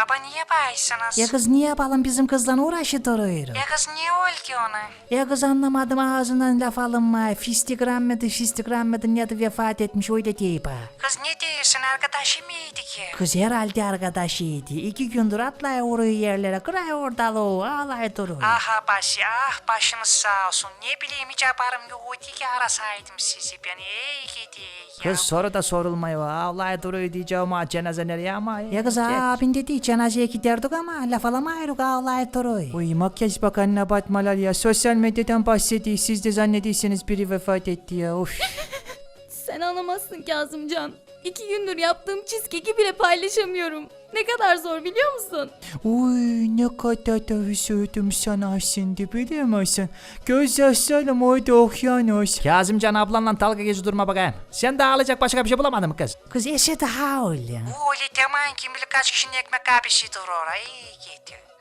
Baba niye bağırsınız? Ya kız niye yapalım bizim kızla uğraşı duruyoruz. Ya kız niye oldu ki ona? Ya kız anlamadım ağzından laf alınma. Fistikran mıdır ya da vefat etmiş öyle deyip ha. Kız ne diyorsun arkadaşı mıydı ki? Kız herhalde arkadaşıydı. 2 gündür atlay vuruyor yerlere. Kıray ortalığı ağlay duruyor. Aha başı başınız sağ olsun. Ne bileyim hiç haberim yoktu ki arasaydım sizi. Ben iyi gidi ya. Kız soru da sorulmuyor. Ağlay duruyor diyeceğim ha cenaze nereye ama. Ya kız abin dedi cenazeye giderdik ama laf alamayırız ağlay duruyor. Uy makyaj bakanına batmalar ya. Sosyal medyadan bahsediyor. Siz de zannediyorsunuz biri vefat etti ya. Of. Sen anlamazsın Kazımcan. 2 gündür yaptığım cheesecake'i bile paylaşamıyorum. Ne kadar zor biliyor musun? Uy ne kadar da üzüldüm sana şimdi biliyor musun? Göz yaşlarım orada okyanus. Kazımcan ablanla dalga geçi durma bakayım. Sen de ağlayacak başka bir şey bulamadın mı kız? Kız eşe daha öyle. Bu öyle demeyin kim bilir kaç kişinin ekmek abisidir oraya. İyi gidi.